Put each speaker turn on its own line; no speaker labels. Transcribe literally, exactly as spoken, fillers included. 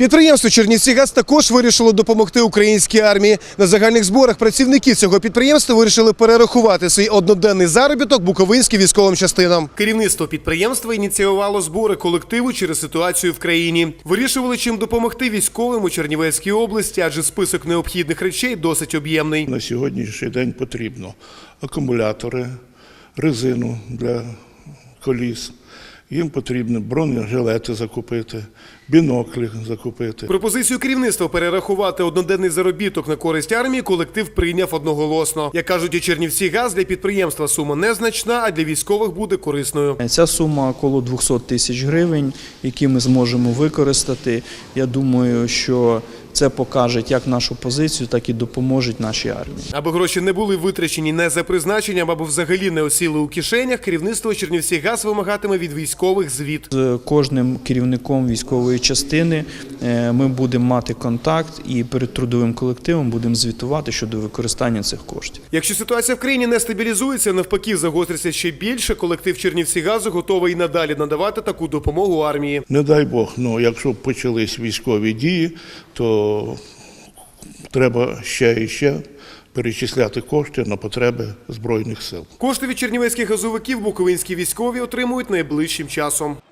Підприємство «Чернівцігаз» також вирішило допомогти українській армії. На загальних зборах працівники цього підприємства вирішили перерахувати свій одноденний заробіток буковинським військовим частинам. Керівництво підприємства ініціювало збори колективу через ситуацію в країні. Вирішували, чим допомогти військовим у Чернівецькій області, адже список необхідних речей досить об'ємний.
На сьогоднішній день потрібно акумулятори, резину для коліс. Їм потрібно бронежилети закупити, біноклі закупити.
Пропозицію керівництва перерахувати одноденний заробіток на користь армії колектив прийняв одноголосно. Як кажуть у «Чернівцігаз», для підприємства сума незначна, а для військових буде корисною.
Ця сума около двохсот тисяч гривень, які ми зможемо використати. Я думаю, що це покаже як нашу позицію, так і допоможе нашій армії.
Аби гроші не були витрачені не за призначенням, або взагалі не осіли у кишенях, керівництво «Чернівцігаз» вимагатиме від військових звіт.
З кожним керівником військової частини ми будемо мати контакт і перед трудовим колективом будемо звітувати щодо використання цих коштів.
Якщо ситуація в країні не стабілізується, навпаки загостриться ще більше, колектив «Чернівцігазу» готовий і надалі надавати таку допомогу армії.
Не дай Бог, ну якщо почались військові дії, то треба ще і ще перечисляти кошти на потреби Збройних сил.
Кошти від чернівецьких газовиків буковинські військові отримують найближчим часом.